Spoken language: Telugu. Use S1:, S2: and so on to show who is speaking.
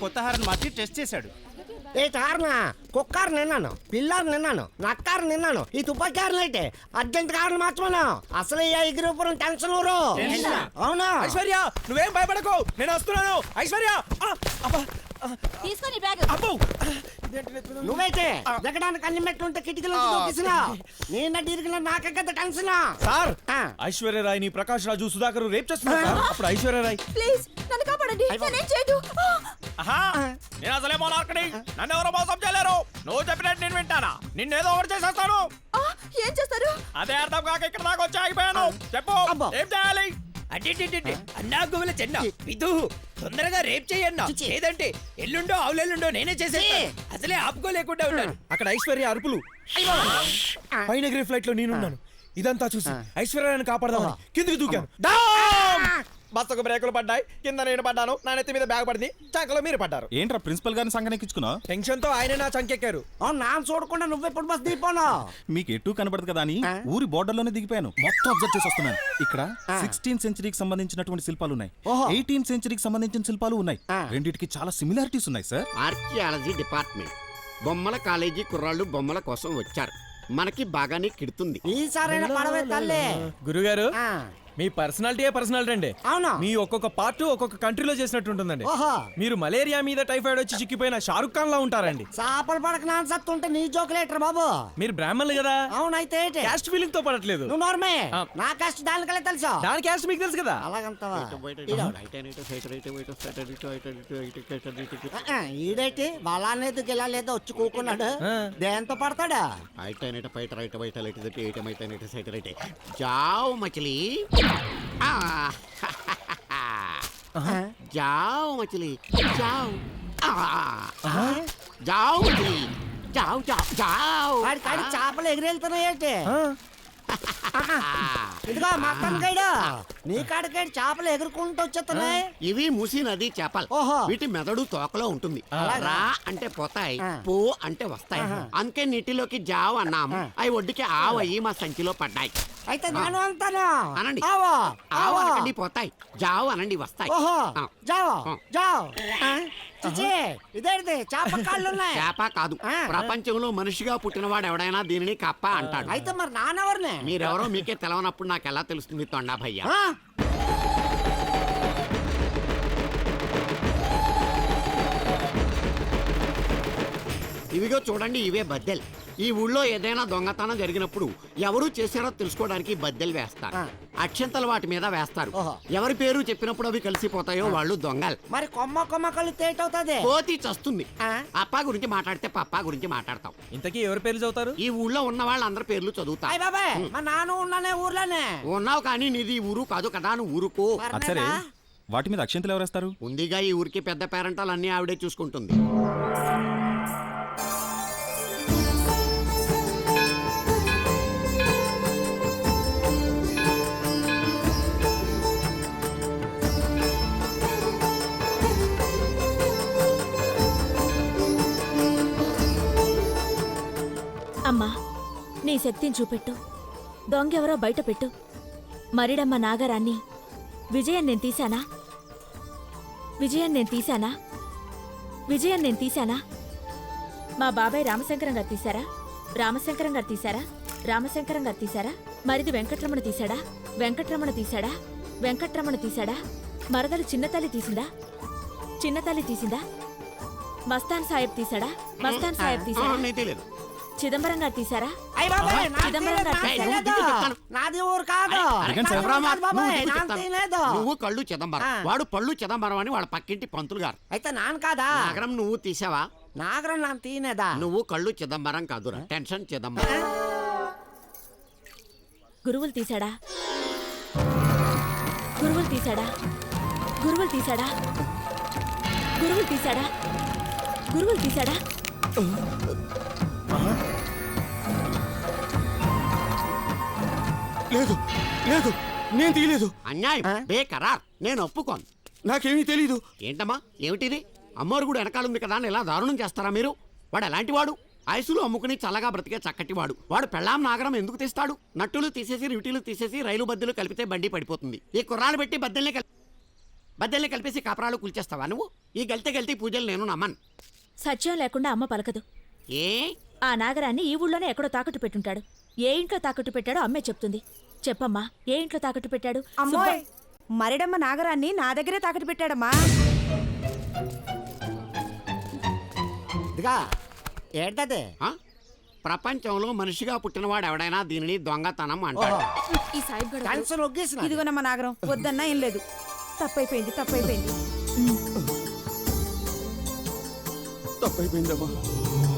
S1: కొత్త హారన్ మార్చి టెస్ట్ చేశాడు.
S2: ఏ హారనా? కుక్కారు నిన్నాను, పిల్లారు నిన్నాను, నక్కారు నిన్నాను, ఈ తుపాకారులు అయితే అర్జెంట్ కారణం మార్చమను. అసలు ఈ ఎగిరిపురం టెన్షన్ ఊరు. అవునా
S3: ఐశ్వర్య, నువ్వేం భయపడకు, నేను వస్తున్నాను. ఐశ్వర్య
S4: తీసుకొని బ్యాగ్.
S2: నువ్వైతే దిగడానికి అన్ని మెట్లుంటే కిటికీలో దూకిసినా నిన్న ఇరిగిన నాకే కదా టెన్షన్.
S3: సార్, ఐశ్వర్య రాయ్ ని ప్రకాష్ రాజు సుధాకర్ రేప్ చేస్తున్నారు సార్. అప్పుడు ఐశ్వర్య రాయ్
S4: ప్లీజ్ నన్ను కాపాడండి, నేనేం చేయదు.
S3: నేను అసలే మోనార్కని, నన్ను ఎవరో మోసం చేయలేరు. నువ్వు చెప్పినట్టు నేను వింటానా? నిన్నేదో ఒకటి చేసేస్తాను.
S4: ఏం చేస్తారు?
S3: అదే అర్థం కాక ఇక్కడ దాకా వచ్చి ఆగిపోయాను. చెప్పు, ఏం చేయాలి?
S5: అడ్డి అన్నా గువల చెన్న విధు తొందరగా రేప్ చేయన్నా, లేదంటే ఎల్లుండో అవులెల్లుండో నేనే చేసేస్తాను. అసలే ఆపుకోలేకుండా ఉన్నాను.
S3: అక్కడ ఐశ్వర్య అరుపులు, పైన ఎగిరే ఫ్లైట్ లో నేనున్నాను. ఇదంతా చూసి ఐశ్వర్యాన్ని కాపాడదామని కిందికి దూకాను. బస్సుకు బ్రేకులు పడ్డాయి, కింద నేను పడ్డాను, నా నెత్తి మీద బ్యాగ్ పడింది, చంకలో మీరు పడ్డారు.
S1: ఏంట్రా ప్రిన్సిపల్ గారిని సంగనెక్కించుకున్నావు?
S3: టెన్షన్ తో ఆయన నా చంకెక్కారు.
S2: నా చూడకుండా నువ్వెప్పుడు బస్ దిగిపోను.
S1: మీకు ఎటు కనబడదు కదా అని ఊరి బోర్డర్ లోనే దిగిపోయాను. మొత్తం అబ్జర్వ్ చేసి వస్తున్నాను. ఇక్కడ 16th సెంచరీకి సంబంధించినటువంటి శిల్పాలు ఉన్నాయి, 18th సెంచరీకి సంబంధించిన శిల్పాలు ఉన్నాయి. రెండిటికి చాలా సిమిలారిటీస్ ఉన్నాయి సార్.
S6: ఆర్కియాలజీ డిపార్ట్మెంట్ బొమ్మల కాలేజీ కుర్రాళ్ళు బొమ్మల కోసం వచ్చారు. మనకి బాగానే కిడుతుంది.
S2: ఈసారైనా పడవే తల్లి.
S3: గురుగారు, మీ పర్సనాలిటీ అండి.
S2: అవునా?
S3: మీ ఒక్కొక్క పార్ట్ ఒక్కొక్క కంట్రీలో చేసినట్టు ఉంటుందండి.
S2: ఓహో,
S3: మీరు మలేరియా మీద టైఫాయిడ్ వచ్చి చిక్కిపోయిన షారుఖ్ ఖాన్ లా ఉంటారండి.
S2: చేపలు పడక నాన్న సత్తుంటే నీ జోకులేటర్ బాబు.
S3: మీరు బ్రాహ్మణులు కదా.
S2: అవునైతే
S3: క్యాస్ట్ ఫీలింగ్ తో పడట్లేదు.
S2: నువ్వు నోర్మే, నా కష్ట దానికలే తెలుసా?
S3: దాని క్యాస్ట్ మీకు తెలుసు కదా.
S2: అలాగంతవా? ఈడైతే బలానేది గెలాలేదో వచ్చి కూకున్నాడు. దేంతో పడతాడా?
S6: జావ్ మచిలీ, జావ్ మచిలీ, జావ్ జావ్ మచిలీ, జావ్ జావ్ జావ్.
S2: కాడి చేపలు ఎగిరెళ్తున్నాయేంటి? ఇదిగో మక్కన్ గైడు, నీ కాడికాడి చేపలు ఎగురుకుంటూ వచ్చేస్తున్నాయి.
S6: ఇవి మూసి నది చేపలు.
S2: ఓహో.
S6: వీటి మెదడు తోకలో ఉంటుంది. రా అంటే పోతాయి, పో అంటే వస్తాయి. అందుకే నీటిలోకి జావ్ అన్నాం. అవి ఒడ్డుకి ఆవయ్యి మా సంచిలో పడ్డాయి.
S2: అయితే నేను అంటాను
S6: అనండి.
S2: ఆవో
S6: ఆవు అనండి పోతాయి, జావ్ అనండి వస్తాయి.
S2: ఓహో,
S6: ఆ.
S2: జావో జావ్. చిచి, ఇదేంటి చేప కాళ్ళు ఉన్నాయి?
S6: చేప కాదు, ప్రపంచంలో మనిషిగా పుట్టినవాడు ఎవడైనా దీనిని కప్ప అంటాడు.
S2: అయితే మరి నానెవరిని?
S6: మీరెవరో మీకే తెలవనప్పుడు నాకు ఎలా తెలుస్తుంది తొండా భయ్యా? ఇవిగో చూడండి, ఇవే బద్దెలు. ఈ ఊళ్ళో ఏదైనా దొంగతనం జరిగినప్పుడు ఎవరు చేశారో తెలుసుకోవడానికి బద్దెలు వేస్తారు. అక్షంతలు వాటి మీద వేస్తారు. ఎవరి పేరు చెప్పినప్పుడు అవి కలిసిపోతాయో వాళ్ళు దొంగలు.
S2: మరి కొమ్మ కొమ్మ కళ్ళు తేటవుతుంది.
S6: కోతి చస్తుంది. అప్పా గురించి మాట్లాడితే పప్పా గురించి మాట్లాడతాం.
S3: ఇంతకీ ఎవరి పేర్లు చదువుతారు?
S6: ఈ ఊళ్ళో ఉన్న వాళ్ళందరి పేర్లు చదువుతా.
S2: అయ్య బాబాయ్, మా నాన్న ఉన్నానే ఊర్లోనే.
S6: ఉన్నావు కానీ నీది ఊరు కాదు కదా, నువ్వు ఊరుకో.
S1: సరే, వాటి మీద అక్షంతలు ఎవరేస్తారు?
S6: ఉందిగా ఈ ఊరికి పెద్ద పేరెంటాలు అన్ని ఆవిడే చూసుకుంటుంది.
S4: అమ్మా, నీ శక్తిని చూపెట్టు. దొంగెవరో బయట పెట్టు. మరిడమ్మ నాగరాన్ని విజయం నేను తీశానా? విజయం నేను తీశానా? విజయం నేను తీశానా? మా బాబాయ్ రామశంకరం గారు తీశారా? రామశంకరం గారు తీశారా? రామశంకరం గారు తీశారా? మరిది వెంకట్రమణ తీశాడా? వెంకట్రమణ తీశాడా? వెంకట్రమణ తీశాడా? మరదలు చిన్నతల్లి తీసిందా? చిన్నతల్లి తీసిందా? మస్తాన్ సాహెబ్ తీశాడా? మస్తాన్ సాహెబ్ తీశాడా? చిదంబరం గారు తీశారా?
S2: నాది ఊరు కాదు.
S6: నువ్వు కళ్ళు చిదంబరం, వాడు పళ్ళు చిదంబరం అని వాళ్ళ పక్కింటి పంతులు గారు.
S2: అయితే నాన్న కాదా?
S6: నాగరం నువ్వు తీసావా?
S2: నాగరం నాన్న తీనేదా?
S6: నువ్వు కళ్ళు చిదంబరం కాదురా, టెన్షన్ చిదంబరం.
S4: గురువులు తీశాడా? గురువులు తీశాడా? గురువులు తీశాడా? గురువులు తీశాడా? గురువులు తీశాడా?
S3: లేదు లేదు, నేను తీయలేదు.
S6: అన్యాయం, బేకరార్. నేను ఒప్పుకోను.
S3: నాకేమీ తెలీదు.
S6: ఏంటమ్మా ఏమిటిది? అమ్మోరు కూడా వెనకాలంది కదా అని ఇలా దారుణం చేస్తారా మీరు? వాడు ఎలాంటి వాడు? ఐసులు అమ్ముకుని చల్లగా బ్రతికే చక్కటివాడు. వాడు పెళ్ళాం నాగరం ఎందుకు తీస్తాడు? నట్టులు తీసేసి రిటీలు తీసేసి రైలు బద్దెలు కలిపితే బండి పడిపోతుంది. ఈ కుర్రాలు పెట్టి బద్దెల్ని బద్దెల్ని కలిపేసి కాపరాలు కూల్చేస్తావా నువ్వు? ఈ గల్తీ పూజలు నేను నమ్మను.
S4: సత్యం లేకుండా అమ్మ పలకదు.
S6: ఏ
S4: ఆ నాగరాన్ని ఈ ఊళ్ళోనే ఎక్కడో తాకట్టు పెట్టుంటాడు. ఏ ఇంట్లో తాకట్టు పెట్టాడో అమ్మే చెప్తుంది. చెప్పమ్మా, ఏ ఇంట్లో తాకట్టు పెట్టాడు?
S7: అమ్మోయ్, మరిడమ్మ నాగరాన్ని నా దగ్గరే తాకట్టు పెట్టాడమ్మా.
S2: ఇదిగా ఏంటది?
S6: ఆ? ప్రపంచంలో మనిషిగా పుట్టినవాడు ఎవడైనా దీనిని దొంగతనం అంటాడు.
S4: ఈ సాయిబ్ గడు
S2: టెన్షన్ ఒగ్గేసిన
S7: ఇదిగోనమ్మ నాగరం, వద్దన్నా ఏం లేదు. తప్పైపోయింది.
S1: తప్పైపోయిందమ్మా.